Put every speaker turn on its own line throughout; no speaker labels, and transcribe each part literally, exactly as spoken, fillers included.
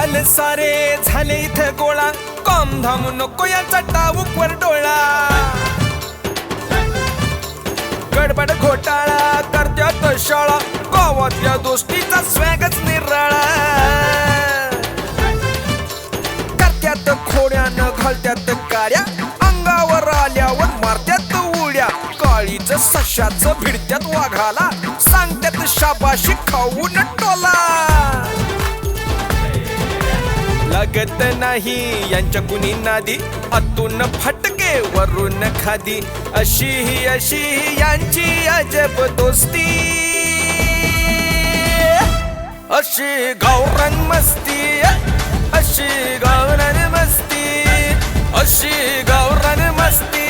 झाले सारे झाले इथे गोळा कॉम धाम नको याचा टाऊकवर डोळा गडबड घोटाळा करत्यात शाळा गावातल्या दोस्तीचा स्वॅगच निराळा करत्यात खोड्यानं घालत्यात काड्या अंगावर आल्यावर मारत्यात उड्या काळीच सशाच भिडत्यात वाघाला सांगत्यात शाबाशी खाऊन टोला लागत नाही यांच्या कुणी नादी आतून फटके वरून खादी अशी ही अशी ही यांची अजब दोस्ती अशी गावरान मस्ती अशी गावरान मस्ती अशी गावरान मस्ती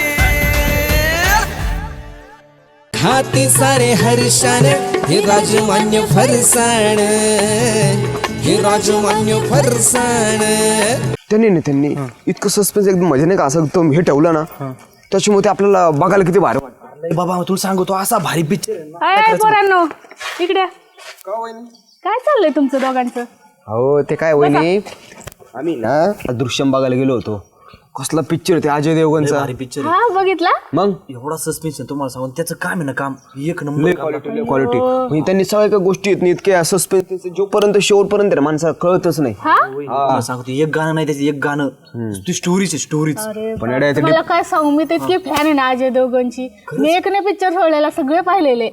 हाती सारे हर्षान हे राजमान्य फरसाण हे राजमान्य फरसाण
त्यांनी नाही त्यांनी इतकं सस्पेन्स एकदम मजा नाही का असं एकदम हे ठेवलं ना त्याच्यामुळे ते आपल्याला बघायला किती भारी वाटतं.
बाबा तुला सांगतो असा भारी पिक्चर
अय पोरांनो इकडे काय चाललंय तुमचं दोघांचं?
हो ते काय वहिनी आम्ही ना दृश्यम बघायला गेलो होतो. कसला पिक्चर ते अजय देवगणचा
भारी पिक्चर
हा बघितला
मग
एवढा सस्पेन्स तुम्हाला सांगून त्याचं काम आहे ना काम एक नंबर
क्वालिटी क्वालिटी म्हणजे त्यांनी सगळ्या काही गोष्टी आहेत इतक्या सस्पेन्स जोपर्यंत शेवटपर्यंत माणसाला कळतच नाही.
हा
सांगतो एक गाणं नाही त्याचं एक गाणं ती स्टोरीच आहे स्टोरीच
पण येड्या ते
मला काय सांगू मी तर इतकी फॅन आहे ना अजय देवगणची मी एक नाही पिक्चर सोडलेला सगळे पाहिलेले.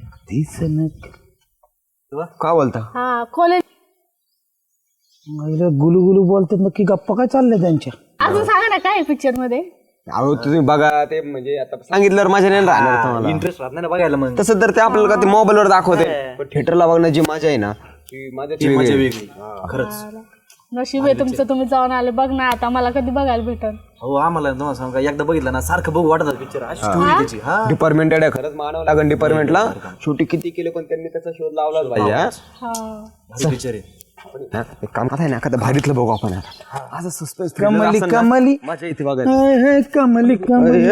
का बोलता
हा कॉलेज
गुलू गुलू बोलतात नक्की गप्पा काय चालल्या त्यांच्या?
अजून सांगा ना काय पिक्चर मध्ये?
अहो तुम्ही बघा ते म्हणजे आता सांगितल्यावर माझ्या नाही राहणार तुम्हाला
इंटरेस्ट राहत नाही ना बघायला मग
तसं तर ते आपल्याला का ते मोबाईलवर दाखवते पण थिएटरला बघण्याची मजा आहे ना ती माझ्या
ती मजा वेगळी खरंच.
नशीब आहे तुमचं तुम्ही जाऊन आले बघ ना आता मला कधी बघायला भेटल.
हो आम्हाला तुम्हाला सांगा एकदा बघितलं ना सारखं बघू वाटत पिक्चर स्टोरी त्याची हा
डिपार्टमेंट आहे खरंच मानावं लागेल डिपार्टमेंटला शेवटी किती केले पण त्यांनी त्याचा शोध लावलाच पाहिजे हा?
भारी पिक्चर आहे.
हा, एक काम काय ना एखादं भारीतलं बघू आपण आता. असं सस्पेन्स
कमली कमली
मजा येते बघा
कमली कमली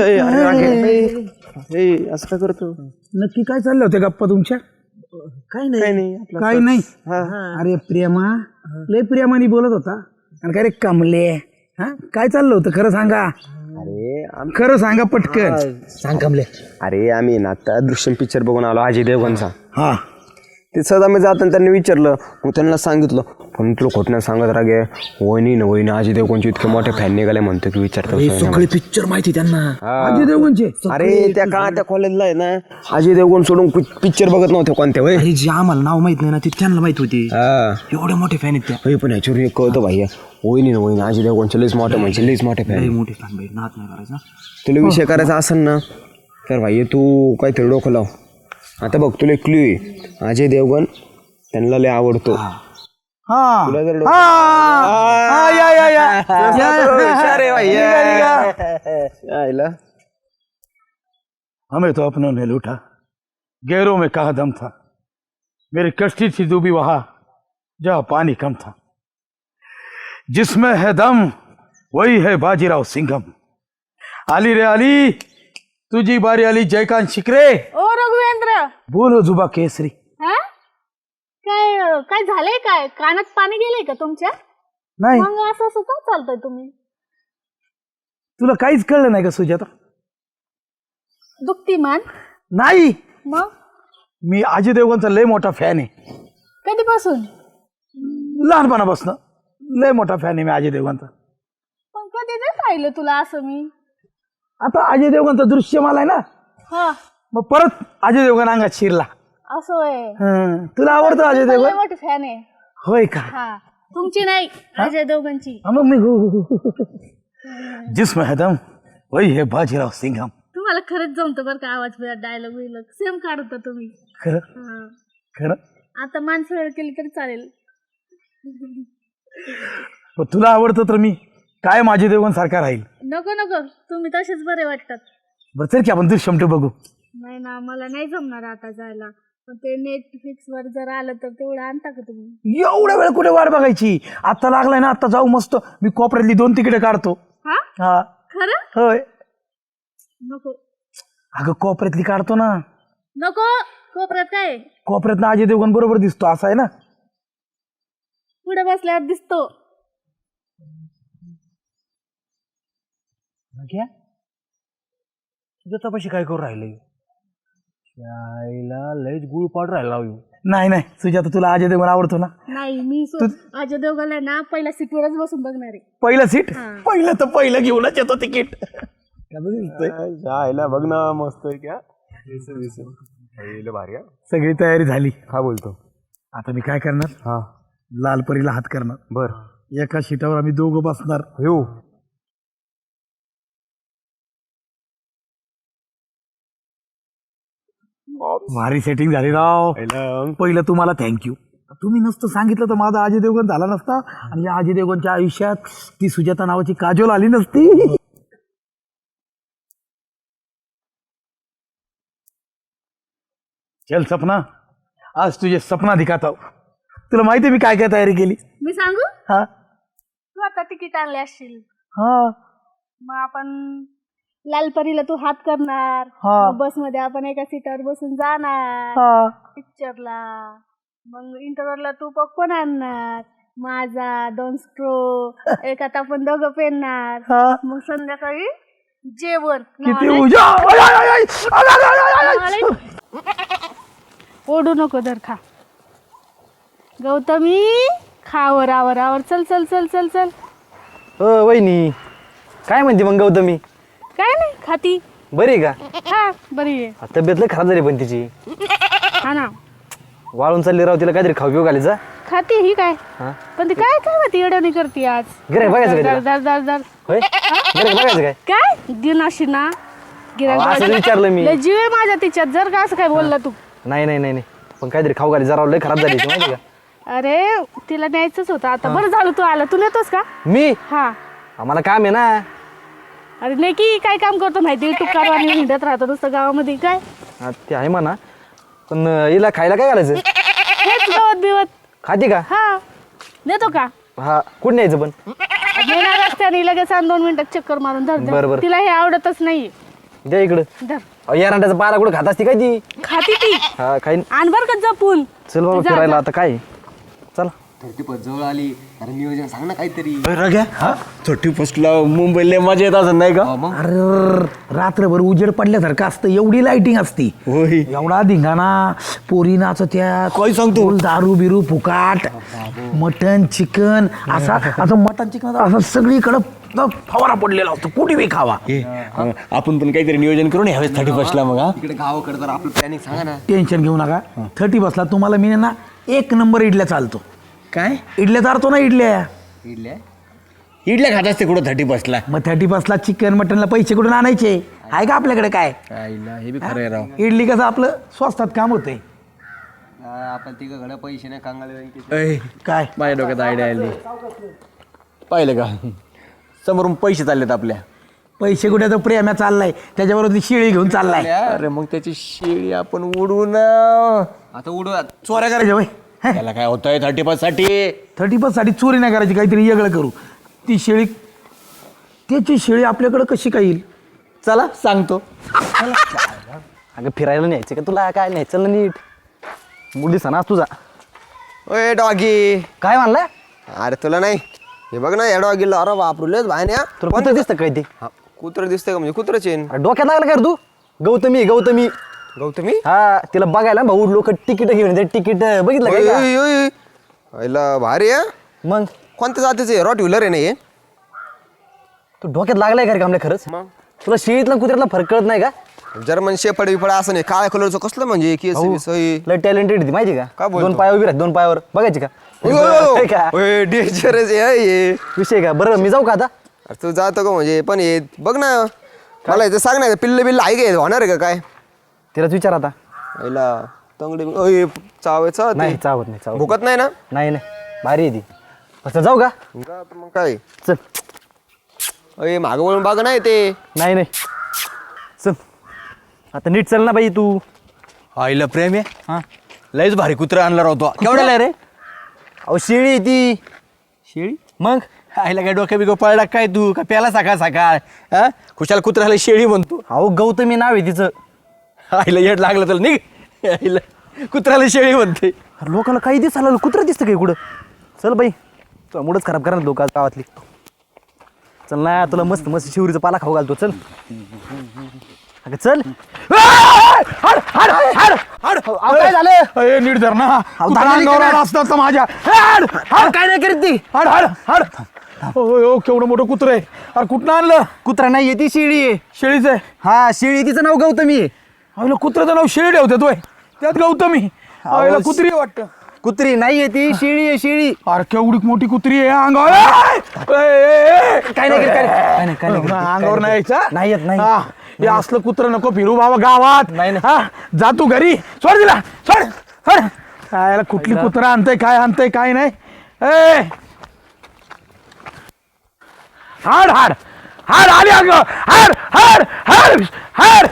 असं काय करतो
नक्की काय चाललं होतं गप्पा तुमच्या?
काही नाही
काय नाही अरे प्रेमा लय प्रेमाने बोलत होता आणि काय रे कमले हा काय चाललं होतं खरं सांगा
अरे आम-
खरं सांगा पटकन सांग कमले.
अरे आम्ही ना आता दृश्यम पिक्चर बघून आलो अजय देवगणचा.
हा
ते सहज आम्ही जाताना त्यांनी विचारलं मग त्यांना सांगितलं पण तुला खोट नाही सांगत रागे वहिनी ना वहिनी अजय देवगणची इतके मोठे फॅन निघाले म्हणतो की विचारतो
सगळे पिक्चर माहिती त्यांना
अजय देवगणचे
अरे त्या का त्या कॉलेजला आहे ना अजय देवगण सोडून पिक्चर बघत नव्हते कोणत्या वय
अरे जे आम्हाला नाव माहित नाही ना ते त्यांना माहित होते
हा
एवढे मोठे फॅन आहेत त्या
होय पण ह्याच्यावर एक कळतं भाई वहिनी ना वहिनी अजय देवगणचे लईच मोठे म्हणजे लईच मोठे
लय
फॅन
मोठे फॅन भाई नात नाही करायचा.
तुला विषय करायचा असेल ना तर भाई तू काहीतरी डोकं लाव. आता बघ तुला क्ल्यू आहे अजय देवगण त्यांना लय आवडतो.
हा
तुला जर
हा, हा, या, या, या.
अरे भाई आईला
हमें तो अपनों ने लूटा गैरों में कहा दम था मेरी कश्ती थी डूबी वहां जहां पानी कम था जिसमें है दम वही है बाजीराव सिंघम. आली रे आली तुझी बारी आली जयकांत शिकरे
ओ रघुवेंद्र
बोलो जुबा केसरी.
हा काय काय झालंय काय कानात पाणी गेलंय का तुमच्या?
नाही
मग असं असं का चालतंय तुम्ही?
तुला काहीच कळलं नाही का सुजाता?
दुखती मान
नाही
मग
मी अजय देवगणचा लय मोठा फॅन आहे
कधीपासून?
लहानपणापासून लय मोठा फॅन आहे मी अजय देवगणचा.
पण कधी नाही पाहिलं तुला असं मी.
आता अजय देवगणचा दृश्य मला आहे ना
हा
मग परत अजय देवगण अंगात शिरला.
असं आहे.
हं. तुला आवडतो अजय
लय
देवगण?
मोठी फॅन आहे.
होय का?
हा तुमची नाही अजय देवगणची.
हा, मग मी हो, हो, हो, हो. जिसमें है दम वही है बाजीराव सिंघम.
तुम्हाला खरंच जमतं बरं का आवाज बिवाज डायलॉग बिलॉग सेम काढता तुम्ही.
खरं
हा.
खरं
आता माणसं वेळ केली तरी चालेल.
पण तुला आवडतं तर मी काय माझे देवगण सारखा राहील.
नको नको तुम्ही तसेच बरे वाटतात.
बरं चल की आपण दृश्यम टू बघू.
नाही ना मला नाही जमणार आता जायला. पण ते नेटफ्लिक्स वर जर आलं तर तेवढं आणता का तुम्ही?
एवढ्या वेळ कुठे वाट बघायची? आता लागलाय ना आता जाऊ मस्त. मी कोपऱ्यातली दोन तिकीट काढतो.
हा
हा
खरं?
होय
नको
अगं कोपऱ्यातली काढतो ना.
नको कोपऱ्यात काय
कोपऱ्यात ना अजय देवगण बरोबर दिसतो असं आहे ना.
पुढे बसल्यावर दिसतो.
घ्या तुझ्या तपाशी काय करू राहिलं आईला लयच गुळ पाड राहिला नाही नाही सुजाता तुला अजय देवगण आवडतो ना
नाही मी सो- अजय देवगणला ना पहिल्या सीटवरच बसून बघणार आहे.
पहिलं सीट पहिलं तर पहिलं घेऊनच येतो तिकीट
आईला बघ ना मस्त आहे क्या भारी
सगळी तयारी झाली
हा बोलतो
आता मी काय करणार
हा
लालपरीला हात करणार
बर
एका सीटावर आम्ही दोघं बसणार
हो
भारी सेटिंग झाली राव पहिलं तुम्हाला थँक्यू तुम्ही नसतं सांगितलं तर माझा अजय देवगण झाला नसता आणि या अजय देवगणच्या आयुष्यात ती सुजाता नावाची काजोल आली नसती. चल सपना आज तुझे सपना दिखाता हूं. तुला माहिती आहे मी काय काय तयारी केली
मी सांगू
हा
तू आता तिकीट आणले असशील
हा
मग आपण लालपरीला तू हात करणार
हा.
बस मध्ये आपण एका सीटावर बसून जाणार
हा
पिक्चरला मग इंटरव्हरला तू पॉपकॉर्न आणणार माझा दोन स्ट्रो एकात आपण दोघं पेनणार
हा
मग संध्याकाळी जेवण
किती
नावाला-
उजा आय, आय, आय, आय, आय, आय, आय, आय, आय.
नावाला- ओढू नको दर खा गौतमी खावर आवर आवर चल चल चल चल चल
हो वहिनी काय म्हणते मग गौतमी
काय नाही खाती
बरी आहे का
हा बरी आहे
तब्येत लय खराब झाली पण तिची
हा ना
वाळून चालली राव तिला काहीतरी खाऊ पिऊ घालायचा
खाती ही काय
हा
पण ती काय काय होती एवढ्याने करते आज
गिऱ्हाईक बघायचं का
दर
तिला?
दर दर दर
होय गिऱ्हाईक बघायचं काय
काय दिनाशी ना गिऱ्हाईक
अहो, असं
बघायचं.
विचारलं मी.
लय जीव आहे माझ्या तिच्यात जर का असं काय बोलला तू
नाही नाही नाही नाही पण काहीतरी खाऊ घाली जरा लय खराब झाली ती माहिती का
अरे तिला न्यायचंच होतं आता बरं झालं तू आला तू नेतोस का
मी
हा
आम्हाला काम आहे ना
अरे नाही की काय काम करतो माहिती तू कारवानी हिंडत राहतो नुसतं गावामध्ये काय
हा, ते आहे म्हणा पण अं, हिला खायला काय घालायचं
हेच गवत बिवत
खाते का
हा नेतो का
हा कुठं न्यायचं पण
नेणार रस्त्याने लगेच आण दोन मिनिटात चक्कर मारून धर
बरं,
धर
बरं.
तिला हे आवडतच नाही
द्या इकडं
धर
अहो, या रांड्याचा पारा कुठं खात असते काय ती
खाती ती
हा खाईन
आण बर का जपून
चल बाबा
जा,
फिरायला
जा.
आता काय चला
थर्टी फर्स्ट जवळ आली अरे नियोजन सांग ना काहीतरी थर्टी फर्स्टला मुंबईला मजा येत असं नाही का
अरे रात्रभर उजेड पडल्यासारखं असतं एवढी लाइटिंग असती
होय
एवढा धिंगाणा पोरी नाचत्या
काय सांगतो?
दारू बिरू फुकाट मटन चिकन असा असं मटन चिकन असं सगळीकडं फवारा पडलेला असतो कुठे बी खावा
आपण पण काहीतरी नियोजन करून यावेळेस थर्टी फर्स्टला मग तिकडे गावाकडे तर आपलं प्लॅनिंग सांगा ना
टेन्शन घेऊ नका थर्टी बसला तुम्हाला मी ना एक नंबर इडल्या चालतो
काय
इडल्या चालतो ना इडल्या
इडल्या इडल्या खात असते कुठं थर्टी फर्स्टला
मग थर्टी बसला चिकन मटनला पैसे कुठून आणायचे आहे का आपल्याकडे काय
आईला हे बी खरं आहे राव
इडली कसं आपलं स्वस्तात काम होतंय
आपण तिकडे पैसे नाही कांगाले
काय
माझ्या डोक्यात आयडिया आली पाहिलं का समोरून पैसे चाललेत आपल्या
पैसे कुठे तर प्रेम्या चाललाय त्याच्याबरोबर ती शिळी घेऊन चाललाय
अरे मग त्याची शेळी आपण उडवू ना आता उडू
चोऱ्या करायच्या वय
त्याला काय होतंय थर्टी फर्स्ट साठी
थर्टी फर्स्ट साठी चोरी नाही करायची काहीतरी वेगळं करू ती शेळी त्याची शेळी आपल्याकडे कशी काय येईल
चला सांगतो
अगं फिरायला न्यायचं का तुला काय न्यायचं ना नीट मुली सणा तुझा
ओए डॉगी
काय म्हणला
अरे तुला नाही हे बघ ना या डॉगीला अरे वापरलेच भायन्या
तुला कुठं दिसतं काय ते
कुत्र दिसतंय का म्हणजे कुत्र चेन
अरे डोक्यात लागलं काय रे तू गौतमी गौतमी
गौतमी
हा तिला बघायला भाऊ लोक तिकीट घेऊन ते तिकीट बघितलं काय का?
ओय, ओय, ओय. आईला भारी आहे
मग
कोणत्या जातीचे रॉट व्हीलर आहे ना हे
तू डोक्यात लागलाय का रे कामल्या खरंच
मग
तुला शेळीतला कुत्र्यातला फरक कळत नाही का
जर्मन शेफड बिफड असं नाही काळ्या कलरचं कसलं म्हणजे केस बिस, ओय.
लय टॅलेंटेड ती माहिती
का
का
बोलतो?
दोन पायावर उभी राहते दोन पायावर बघायची का
ओय, ओय,
आहे
ओय.
का
ओय, डेंजरस आहे हे.
विषय का बरं मी जाऊ का आता
अरे तू जातो का म्हणजे पण हे बघ ना मला इथं सांग ना पिल्ल बिल्ल आहे का होणार आहे का काय
तिलाच विचार आता
आईला तंगडी ओय, चावायचं
नाही
ते.
चावत नाही चावत
भुकत नाही ना
नाही नाही भारी आहे ती फक्त जाऊ का
जा तर मग काय
चल
अय मागं वळून बघ नाही ते
नाही नाही चल आता नीट चल ना बाई तू
आईला प्रेम आहे
हा
लयच भारी कुत्रा आणला राहतो
केवढ्याला आहे रे अहो शेळी आहे ती
शेळी
मग
आईला काय डोक्या बिगो पळला काय तू का प्याला सकाळ सकाळ हा खुशाल कुत्र्याला शेळी म्हणतो
अहो गौतमी नाव आहे तिचं
आईला येड लागलं तर निघ आईला कुत्र्याला शेळी म्हणते
अरे लोकांना काही दिसायला कुत्रं दिसतं काय कुठं चल बाई तुला मुडच खराब करा ना लोक गावातली चल ना तुला मस्त मस्त शिवरीचा पाला खाऊ घालतो चल अगं चल
हाड हाड हाड हाड
अहो, काय झालं
अरे नीट धर ना कुत्रा
दादा,
अंगावर आला असता तर माझ्या हाड हाड
काय नाही करीत ती
हाड हाड हाड ओ केवढं मोठं कुत्र आहे अरे कुठं आणलं
कुत्रा नाही ती शेळी आहे
शेळीचं आहे
हा शेळी तिचं नाव गौतमी आहे.
अरे कुत्र्याचं नाव शेळी ठेवतात वय त्यात गौतमी अरे कुत्री आहे वाटतं
कुत्री नाहीये ती शेळी आहे शेळी
अरे केवढी मोठी कुत्री आहे अंगावर ए, ए, ए, ए.
काय नाही करीत, काय नाही, काय नाही, काय नाही करीत,
अंगावर नाही यायचं
नाही येत, नाही.
हा, हे असलं कुत्र नको फिरू बाबा गावात
नाही, नाही.
हा जा तू घरी सोड दिला सोड सोड काय याला कुठली कुत्रा आणतंय काय आणतंय काय नाही ए हाड हाड हाड आली अंग हाड हाड हाड हाड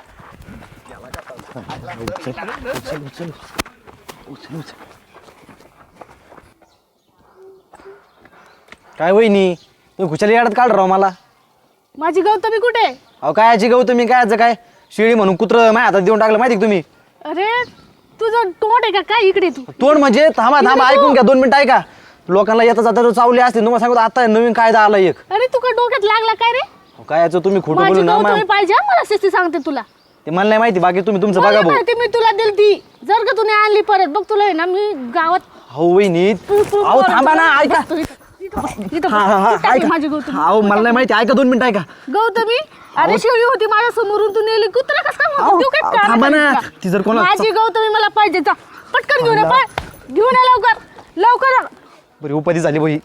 काय वहिनी तुम्ही खुशाली याडत काढ राव मला
माझी गौतमी कुठे आहे?
अहो काय याची गौतमी काय याचं काय शेळी म्हणून कुत्र माझ्या हातात देऊन टाकलं माहिती का तुम्ही
अरे तुझं तोंड आहे का काय इकडे तू
तोंड म्हणजे थांबा थांबा ऐकून घ्या दोन मिनिटं ऐका लोकांना येता जाता चावले असते तुम्हाला सांगतो आता नवीन कायदा आला एक
अरे तू का डोक्यात लागला काय रे
अहो, काय याचं तुम्ही खोटं
माझी
बोलू ना
गौतमी
मॅम.
पाहिजे हा, मला शिस्ती सांगते तुला
ते मला नाही माहिती बाकी तुम्ही तुमचं
मला
बघा भाऊ
माहिती मी तुला दिली ती जर का तुने आणली परत बघ तुला आहे ना मी गावात
हो वहिनी
तू- तू-
अहो
तू-
थांबा ना ऐका
बघतो इथं. इथं- इथं
हा हा हा
कुठं आहे
ऐका
माझी गौतमी
अहो मला नाही माहिती ऐका दोन मिनिटं ऐका
गौतमी अरे शेळी होती माझ्या समोरून तू नेली कुत्रा कसं काय
अहो,
म्हणतो? देऊ काय
अहो,
कानात
थांबा ना.
आहे तुला?
ती जर कोणा-
माझी गौतमी मला पाहिजे जा पटकन घेऊन ये पळ. घेऊन ये लवकर लवकर
बरी उपाधी झाली भाई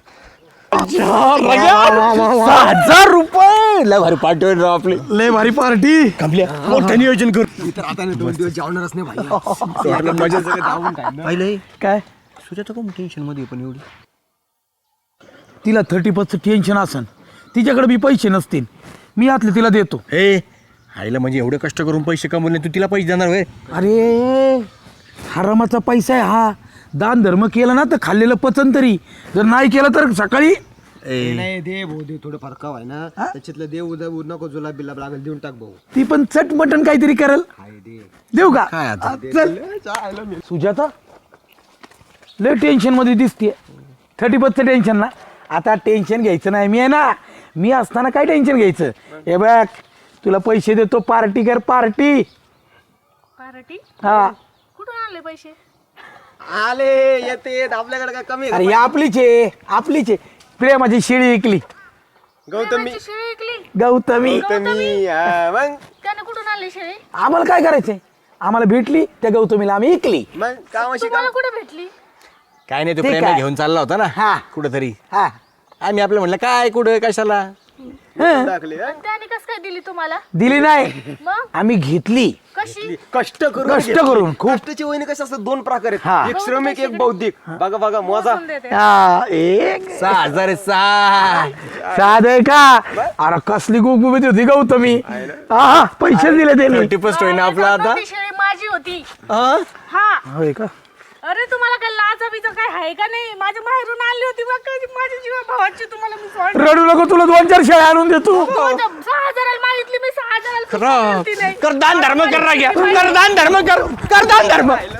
सहा हजार रुपये
लय भारी पार्टी होईल राव आपली
लय भारी पार्टी
मोठं नियोजन कर तर आता दोन दिवस जेवणारच नाही भाई मजा
पाहिलं
काय
सुजाता कोण टेन्शन मध्ये पण एवढी
तिला थर्टी पर्सेंट टेन्शन असन तिच्याकडे बी पैसे नसतील मी यातले तिला देतो
हे आईला म्हणजे एवढे कष्ट करून पैसे कमवले तू तिला पैसे देणार होय
अरे हरामाचा पैसा आहे हा दान धर्म केला ना तर खाल्लेलं पचन तरी जर नाही केलं तर सकाळी
नाही दे भाऊ दे थोडं फार काव आहे ना त्याच्यातलं देव उद्या नको जुलाब बिलाब लागेल देऊन टाक भाऊ
ती पण चट मटन काहीतरी करेल देऊ का
काय आता?
हा, चल सुजाता लय टेन्शन मध्ये दिसते थर्टी पर्सेंट टेन्शन ना आता टेन्शन घ्यायचं नाही मी आहे ना मी असताना काय टेन्शन घ्यायचं हे बघ तुला पैसे देतो पार्टी कर पार्टी
पार्टी
हा
कुठून आणले पैसे
आले येते आपल्याकडे काय कमी
अरे ही आपलीच आहे आपलीच आहे प्रेमाची शेळी ऐकली
गौतमी
माझी शेळी ऐकली
गौतमी
गौतमी हा, मग
त्याने कुठून आणली शेळी
आम्हाला काय करायचंय आम्हाला भेटली त्या गौतमीला आम्ही ऐकली
मग कामाशी
तुम्हाला कुठे भेटली
काय नाही तू
ठीक
प्रेम
आहे.
घेऊन चालला होता ना
हा.
कुठंतरी
हा
आम्ही आपलं म्हणलं काय कुठं कशाला
हं.
टाकली
आणि त्याने कसं काय दिली तुम्हाला
दिली नाही
मग
आम्ही घेतली
कशी
कष्ट करून
कष्ट करून खूप
कष्टाची वहिनी कशी असतात दोन प्रकार
हा.
आहेत एक श्रमिक एक बौद्धिक बघा बघा मोजा
मोजून देते.
हा, एक
सहा हजार आहे, सहा
साध का अरे कसली गुबगुबीत होती गौतमी हा पैसे दिले त्यांनी
थर्टी फर्स्ट होईना आपला आता
ती शेळी माझी होती
हा?
हा
होय का
अरे तुम्हाला काय लाचा बिचा काय आहे का नाही माझ्या बाहेरून आणली होती बघ काय माझी जीवा भावाची तुम्हाला मी सोड
रडू नको तुला दोन चार शेळ्या आणून देतो
सहा हजाराला मागितली मी सहा हजाराला सुद्धा दिली नाही.
कर दान धर्म कर ना घ्या कर दान धर्म कर कर दान धर्म